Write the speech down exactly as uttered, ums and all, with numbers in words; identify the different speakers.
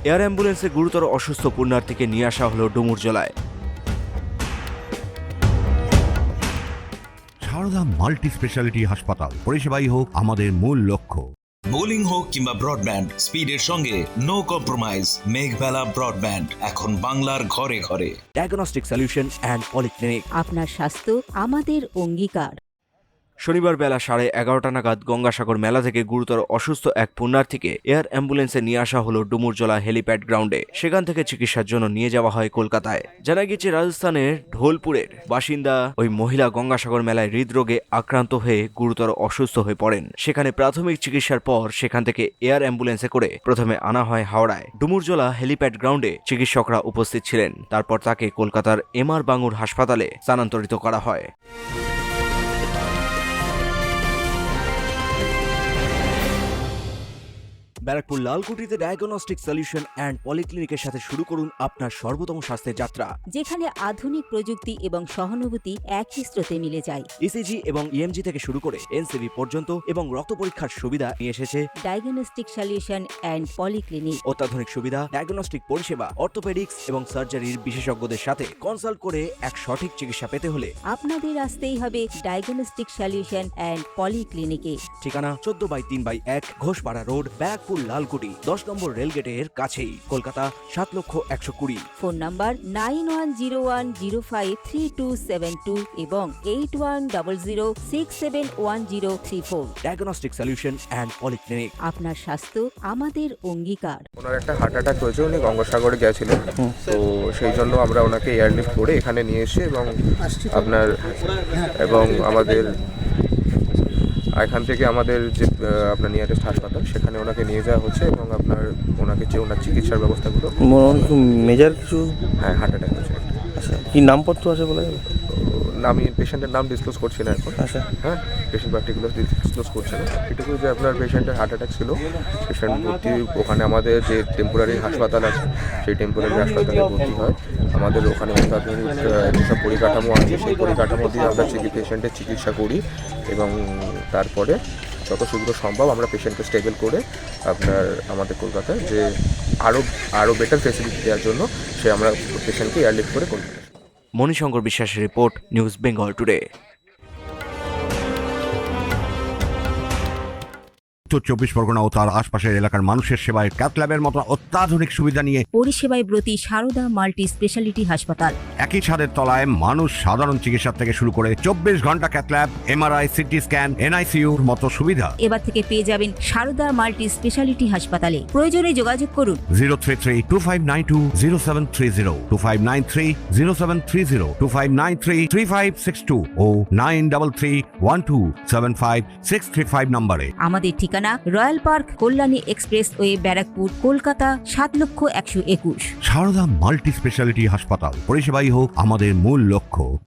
Speaker 1: Air অ্যাম্বুলেন্সে গুরুতর অসুস্থ পুণ্যার্থীকে নিয়ে আসা হলো ডুমুরজলায়।
Speaker 2: সারদা মাল্টি স্পেশালিটি হাসপাতাল, পরিষেবাই হোক আমাদের মূল লক্ষ্য।
Speaker 3: বোলিং হোক কিংবা ব্রডব্যান্ড, স্পিডের সঙ্গে নো কম্প্রোমাইজ। মেঘবেলা ব্রডব্যান্ড এখন বাংলার ঘরে ঘরে।
Speaker 1: Diagnostic solution and polyclinic.
Speaker 4: আপনার স্বাস্থ্য আমাদের অঙ্গীকার।
Speaker 1: শনিবার বেলা সাড়ে এগারোটা নাগাদ গঙ্গাসাগর মেলা থেকে গুরুতর অসুস্থ এক পুণ্যার্থীকে এয়ার অ্যাম্বুলেন্সে নিয়ে আসা হলো ডুমুরজলা হেলিপ্যাড গ্রাউন্ডে। সেখান থেকে চিকিৎসার জন্য নিয়ে যাওয়া হয় কলকাতায়। জানা গেছে, রাজস্থানের ঢোলপুরের বাসিন্দা ওই মহিলা গঙ্গাসাগর মেলায় হৃদরোগে আক্রান্ত হয়ে গুরুতর অসুস্থ হয়ে পড়েন। সেখানে প্রাথমিক চিকিৎসার পর সেখান থেকে এয়ার অ্যাম্বুলেন্সে করে প্রথমে আনা হয় হাওড়ায়। ডুমুরজলা হেলিপ্যাড গ্রাউন্ডে চিকিৎসকরা উপস্থিত ছিলেন। তারপর তাকে কলকাতার এম আর বাঙুর হাসপাতালে স্থানান্তরিত করা হয়। ব্যারাকপুর লালকুটিতে ডায়াগনস্টিক সলিউশন অ্যান্ড পলিক্লিনিকের সাথে শুরু করুন আপনার সর্বোত্তম স্বাস্থ্যের যাত্রা,
Speaker 4: যেখানে আধুনিক প্রযুক্তি এবং সহানুভূতি একই স্রোতে মিলে যায়।
Speaker 1: ইসিজি এবং ইএমজি থেকে শুরু করে এনসিবি পর্যন্ত এবং রক্ত পরীক্ষার সুবিধা নিয়ে এসেছে
Speaker 4: ডায়াগনস্টিক সলিউশন অ্যান্ড পলিক্লিনিক।
Speaker 1: অত্যাধুনিক সুবিধা, ডায়াগনস্টিক পরিষেবা, অর্থোপেডিক্স এবং সার্জারির বিশেষজ্ঞদের সাথে কনসাল্ট করে এক সঠিক চিকিৎসা পেতে হলে
Speaker 4: আপনাদের আসতেই হবে ডায়াগনস্টিক সলিউশন অ্যান্ড পলিক্লিনিকে।
Speaker 1: ঠিকানা চোদ্দ বাই তিন বাই এক ঘোষপাড়া রোড, ব্যারাকপুর লালকুটি, দশ নম্বর রেলগেটের কাছেই, কলকাতা সাত লক্ষ একশো কুড়ি।
Speaker 4: Phone number nine one zero one zero five three two seven two এবং eight one double zero six seven one zero three four.
Speaker 1: Diagnostic solution and polyclinic.
Speaker 4: আপনার স্বাস্থ্য আমাদের অঙ্গীকার।
Speaker 5: ওনার একটা হার্ট অ্যাটাক হয়েছে, উনি গঙ্গাসাগরে গেছিলেন, তো সেই জন্য আমরা ওনাকে এয়ারলিফট করে এখানে নিয়ে এসে এবং আপনার এবং আমাদের এখান থেকে আমাদের যে আপনার নিয়ারেস্ট হাসপাতাল সেখানে ওনাকে নিয়ে যাওয়া হচ্ছে এবং আপনার ওনাকে যে ওনার চিকিৎসার ব্যবস্থাগুলো।
Speaker 6: মেজর কিছু?
Speaker 5: হ্যাঁ, হার্ট অ্যাটাক হয়েছে।
Speaker 6: আচ্ছা, কি নামপত্র আছে বলা যাবে?
Speaker 5: আমি পেশেন্টের নাম ডিসক্লোজ করছি না এখন।
Speaker 6: আচ্ছা,
Speaker 5: হ্যাঁ, পেশেন্ট পার্টিকুলার ডিসক্লোজ করছে না। এটুকু যে আপনার পেশেন্টের হার্ট অ্যাটাক ছিল, পেশেন্ট ভর্তি ওখানে আমাদের যে টেম্পোরারি হাসপাতাল আছে সেই টেম্পোরারি হাসপাতালে ভর্তি হয়। আমাদের ওখানে অত্যাধুনিক যেসব পরিকাঠামো আছে সেই পরিকাঠামো দিয়ে আমরা পেশেন্টের চিকিৎসা করি এবং তারপরে যত শীঘ্র সম্ভব আমরা পেশেন্টকে স্টেবল করে আপনার আমাদের কলকাতায় যে আরও আরও বেটার ফেসিলিটি দেওয়ার জন্য সে আমরা পেশেন্টকে এয়ারলিফট করে কলকাতা।
Speaker 1: মণিশঙ্কর বিশ্বাসের রিপোর্ট, নিউজ বেঙ্গল টুডে।
Speaker 2: উত্তর চব্বিশ পরগনা ও তার আশপাশের এলাকার মানুষের সেবায় ক্যাথ ল্যাবের মতো অত্যাধুনিক সুবিধা নিয়ে
Speaker 4: পরিষেবায় ব্রতী সারদা মাল্টি স্পেশালিটি হাসপাতাল।
Speaker 2: একই ছাদের তলায় মানুষ সাধারণ চিকিৎসা থেকে শুরু করে চব্বিশ ঘন্টা cath lab, MRI, CT scan, এনআইসিউর মতো সুবিধা
Speaker 4: এবার থেকে পেয়ে যাবেন সারদা মাল্টি স্পেশালিটি হাসপাতালে। প্রয়োজনে যোগাযোগ করুন
Speaker 2: zero three three two five nine two zero seven three zero two five nine three zero seven three zero two five nine three three five six two ও nine double three one two seven five six three five নম্বরে।
Speaker 4: আমাদের ঠিকানা royal park, Kalyani expressway, Barrackpore, Kolkata সাত লক্ষ একশো একুশ।
Speaker 2: Sarada multi speciality হাসপাতাল, পরিষেবাই হোক আমাদের মূল লক্ষ্য।